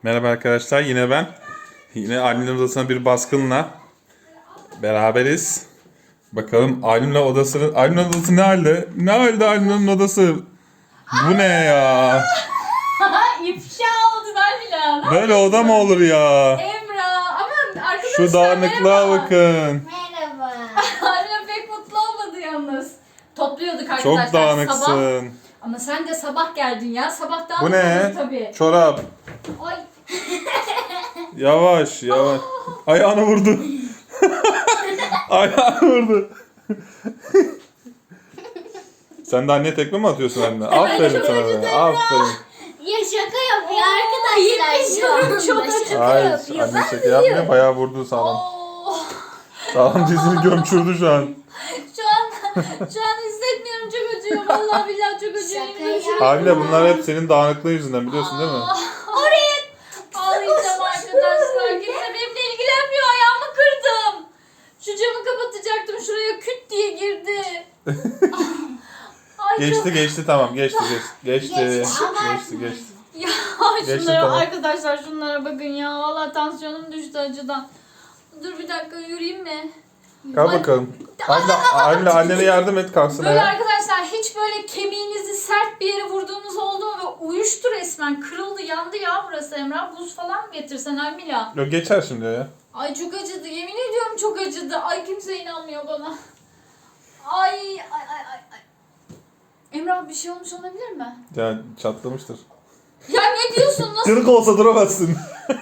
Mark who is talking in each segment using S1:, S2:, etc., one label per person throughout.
S1: Merhaba arkadaşlar, yine ben. Yine Alim'in odasına bir baskınla beraberiz. Bakalım Alim'in odası ne halde? Ne halde Alim'in odası? Bu ne ya?
S2: İfşa oldular bile.
S1: Böyle oda mı olur ya?
S2: Emrah. Aman arkadaşlar
S1: Şu dağınıklığa
S2: merhaba.
S1: bakın.
S3: Merhaba.
S2: Annem pek mutlu olmadı yalnız. Topluyorduk arkadaşlar.
S1: Çok dağınıksın.
S2: Sabah. Ama sen de sabah geldin ya. Sabah
S1: Bu
S2: dağınıkladın
S1: ne?
S2: tabii.
S1: Çorap.
S2: Ay.
S1: Yavaş yavaş. Ayağını vurdu. Ayağını vurdu. Sen de anneye tekme mi atıyorsun anne? Aferin sana be. Aferin.
S3: Ya şaka yapıyor arkadaşlar şu anda.
S2: Çok
S3: Şaka
S1: Hayır,
S3: yapıyor.
S1: anne şaka yapmıyor. Bayağı vurdu sağlam.
S2: Oo.
S1: Sağlam dizini gömçürdü şu an.
S2: Şu an hissetmiyorum, çok acıyor. Vallahi billahi çok acıyor.
S3: Şaka
S2: Yemin ediyorum.
S1: Haliyle bunlar hep senin dağınıklığın yüzünden biliyorsun değil mi?
S2: Oraya ağlayacağım arkadaşlar. Kimse benimle ilgilenmiyor. Ayağımı kırdım. Şu camı kapatacaktım. Şuraya küt diye girdi. Ay,
S1: Geçti tamam geçti.
S3: Geçti,
S1: Geçti.
S2: Ya
S1: Geçti,
S2: şunlara
S1: tamam.
S2: arkadaşlar, şunlara bakın ya. Vallahi tansiyonum düştü acıdan. Dur bir dakika, yürüyeyim mi?
S1: Kalk bakalım. Annene yardım et kalksın
S2: Böyle
S1: ayağa.
S2: arkadaşlar, hiç böyle kemiğinizi sert bir yere vurduğunuz oldu mu? Ve uyuştu resmen. Kırıldı, yandı ya burası Emrah. Buz falan mı getirsen Almila?
S1: Yok geçer şimdi ya.
S2: Ay çok acıdı. Yemin ediyorum çok acıdı. Ay kimse inanmıyor bana. Ay. Emrah, bir şey olmuş olabilir mi?
S1: Ya çatlamıştır.
S2: Ya ne diyorsun? Nasıl?
S1: Kırık olsa duramazsın.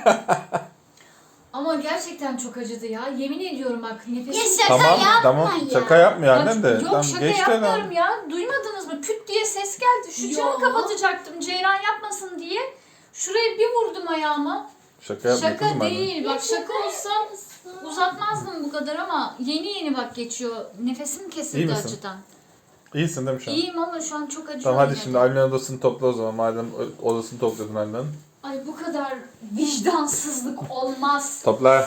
S2: Ama gerçekten çok acıdı ya. Yemin ediyorum bak,
S3: Ya
S2: nefesim...
S3: şaka yapma
S1: Tamam
S3: ya.
S1: şaka yapmıyor
S2: Bak,
S1: annem de.
S2: yok
S1: Tamam,
S2: şaka
S1: geçti
S2: yapmıyorum
S1: lan.
S2: ya. Duymadınız mı? Küt diye ses geldi. Şu camı
S3: Yok.
S2: kapatacaktım Ceyran yapmasın diye. Şuraya bir vurdum ayağıma.
S1: Şaka yapmıyor
S2: Şaka
S1: kızım anne.
S2: değil. Bak şaka olsa uzatmazdım bu kadar ama yeni bak geçiyor. Nefesim
S1: İyi
S2: kesildi
S1: misin?
S2: acıdan.
S1: İyisin değil mi şu an?
S2: İyiyim ama şu an çok acıyor.
S1: Tamam hadi
S2: yine
S1: şimdi
S2: de.
S1: Ali'nin odasını topla o zaman. Madem odasını topladın annen.
S2: Ay bu kadar vicdansızlık olmaz.
S1: Topla.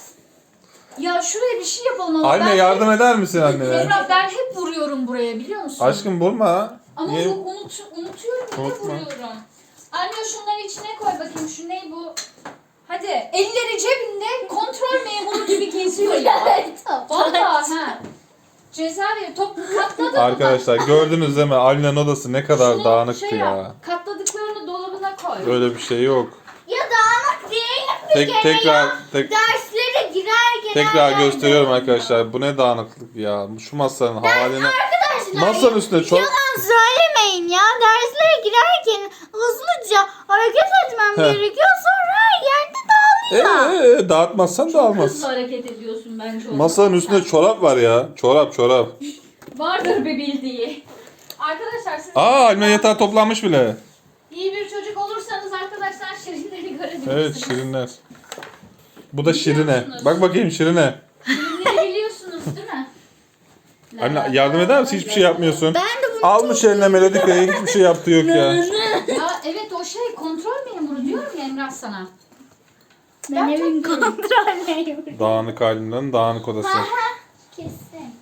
S2: Ya şuraya bir şey yapalım ama
S1: Anne
S2: ben
S1: yardım eder misin annene?
S2: Emrah, ben hep vuruyorum buraya, biliyor musun?
S1: Aşkım vurma.
S2: Ama
S1: Niye?
S2: unutuyorum, yine
S1: Unutma.
S2: vuruyorum. Anne şunları içine koy bakayım, şu ne bu? Hadi, elleri cebinde kontrol memuru gibi geziyor ya. Vallahi ha. Ceza ver, top katladı.
S1: Arkadaşlar gördünüz değil mi? Ali'nin odası ne kadar
S2: Şunu
S1: dağınıktı
S2: şey
S1: ya.
S2: yap, katladıklarını dolabına koy.
S1: Öyle bir şey yok.
S3: Ya dağınık değil bir kere ya. Derslere
S1: Tekrar
S3: girer
S1: gösteriyorum arkadaşlar. Bu ne dağınıklık ya. Şu masanın haline.
S3: Arkadaşlar
S1: Masanın üstüne çok...
S3: yalan söylemeyin ya. Derslere girerken hızlıca hareket etmem
S1: Heh.
S3: gerekiyor. Sonra her yerde dağılıyor.
S1: Dağıtmazsan dağılmaz.
S2: Hızlı hareket ediyorsun bence. o
S1: Masanın
S2: zaman.
S1: üstünde çorap var ya. Çorap.
S2: Vardır bir bildiği. Arkadaşlar siz
S1: Alina yatağı toplanmış bile.
S2: iyi bir çocuk olursanız arkadaşlar şirinleri görebilirsiniz.
S1: Evet şirinler. Bu da Şirine.
S2: Biliyorsunuz.
S1: Bak bakayım Şirine.
S2: Şirinleri biliyorsunuz değil mi?
S1: Anne yardım eder misin? Hiçbir şey yapmıyorsun.
S3: Ben de bunu
S1: Almış eline Melodika'yı. Hiçbir şey yaptığı yok ya.
S2: Ya evet, o şey kontrol memuru diyorum ya Emrah sana.
S3: ben evin kontrolüyüm.
S1: Dağınık halinden dağınık odası.
S3: Kesin.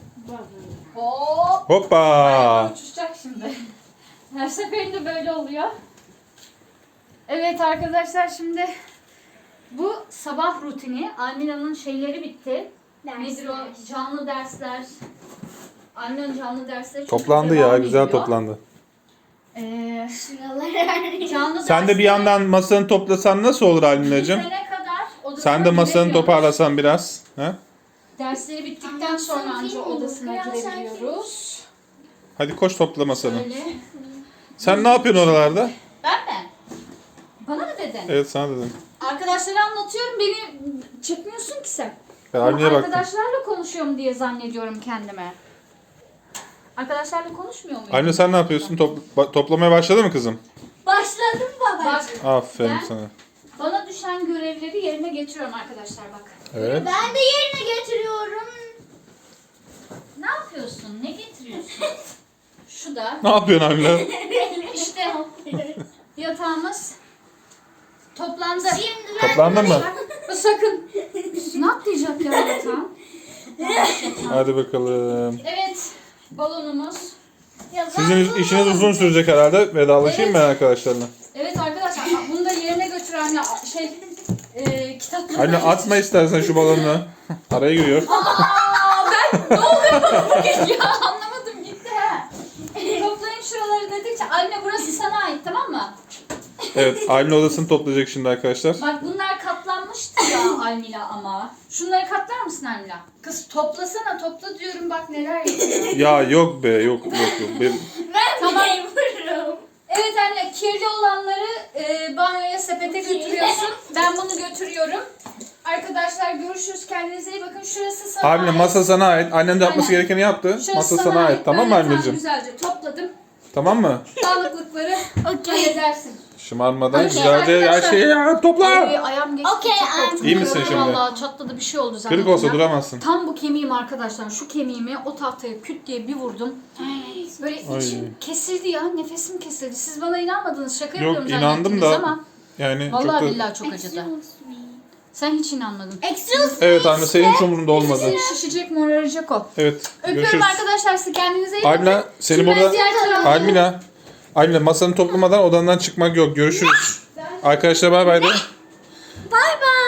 S2: Hop.
S1: Hoppa.
S2: Uçuşacak şimdi. Her seferinde böyle oluyor. Evet arkadaşlar, şimdi bu sabah rutini. Almila'nın şeyleri bitti. Nedir o? Canlı dersler. Almila'nın canlı dersleri çok
S1: Toplandı
S2: devam
S1: ya. Güzel
S2: ediyor.
S1: toplandı.
S3: Şuralar
S2: Canlı
S1: Sen de bir yandan masanı toplasan nasıl olur Alina'cığım?
S2: bitene kadar odasına
S1: Sen de masanı
S2: giremiyoruz.
S1: toparlasan biraz. He?
S2: Dersleri bittikten sonra anca odasına girebiliyoruz.
S1: Hadi koş topla masanı.
S2: Böyle.
S1: Sen ne yapıyorsun oralarda?
S2: Ben mi? Bana mı dedin?
S1: Evet sana dedim.
S2: Arkadaşlara anlatıyorum, beni çekmiyorsun ki sen.
S1: Ben
S2: Ama
S1: Aline'ye baktım.
S2: arkadaşlarla konuşuyorum diye zannediyorum kendime. Arkadaşlarla konuşmuyor muyum?
S1: Aline sen ne yapıyorsun? Toplamaya başladı mı kızım?
S3: başladım baba.
S2: Bak,
S1: Aferin
S2: Ben-
S1: sana.
S2: bana düşen görevleri yerine getiriyorum arkadaşlar bak.
S1: Evet.
S3: Ben de yerine getiriyorum.
S2: Ne yapıyorsun? Ne getiriyorsun? Şu da
S1: Ne yapıyorsun Aline?
S2: işte yatağımız toplandı.
S3: Şimdi ben
S1: Toplandın mı?
S2: Sakın. Ne atlayacak ya yatağım?
S1: Hadi bakalım.
S2: Evet, balonumuz.
S1: Sizin işiniz uzun sürecek herhalde. Vedalaşayım ben arkadaşlarla.
S2: Evet arkadaşlar, bunu da yerine götüren anne kitapları.
S1: Anne atma istersen şu balonu. Araya giriyor.
S2: Ne oluyor bana bugün ya? Anlamadım gitti ha. Toplayın şuraları dedikçe anne burası sana ait tamam mı?
S1: Evet, Aylin odasını toplayacak şimdi arkadaşlar.
S2: Bak bunlar katlanmıştı ya Almila ama. Şunları katlar mısın Almila? Kız toplasana topla diyorum bak neler yapıyor.
S1: Ya yok be, yok.
S2: Tamam. Evet anne kirli olanları banyoya sepete götürüyorsun. Ben bunu götürüyorum. Arkadaşlar görüşürüz. Kendinize iyi bakın. Şurası sana
S1: Aylin
S2: ait.
S1: masa sana ait. Annen de yapması
S2: Aynen.
S1: gerekeni yaptı.
S2: Şurası
S1: Masa sana ait. Tamam mı
S2: Böyle tam
S1: anneciğim?
S2: güzelce topladım.
S1: Tamam mı?
S2: Sağlıklıkları halledersin.
S1: Şımarmadan
S2: Okey,
S1: güzelce her
S2: arkadaşlar.
S1: şeyi topla.
S2: Ayağım geçti.
S3: Okey,
S2: çok korktum.
S1: İyi misin şimdi?
S2: Vallahi çatladı bir şey oldu zaten.
S1: Kırık olsa duramazsın.
S2: Tam bu kemiğim arkadaşlar. Şu kemiğimi o tahtaya küt diye bir vurdum. Böyle
S1: Ay.
S2: içim kesildi ya. Nefesim kesildi. Siz bana inanmadınız. Şaka
S1: Yok,
S2: yapıyorum
S1: inandım
S2: zannettiniz
S1: da
S2: ama.
S1: Yani
S2: Vallahi
S1: çok da...
S2: billahi çok acıdı. Sen hiç inanmadın.
S3: Excuse
S1: Evet anne, senin hiç umurunda olmadı.
S2: Seni şişecek moraracak o.
S1: Evet,
S2: Öpüyorum
S1: görüşürüz.
S2: arkadaşlar sizi kendinize iyi bakın.
S1: Almila seni
S2: Şimdi ben
S1: burada...
S2: ziyaret alalım.
S1: Almila masanı toplamadan odandan çıkmak yok. Görüşürüz. Arkadaşlar bay bay de.
S3: Bye bye.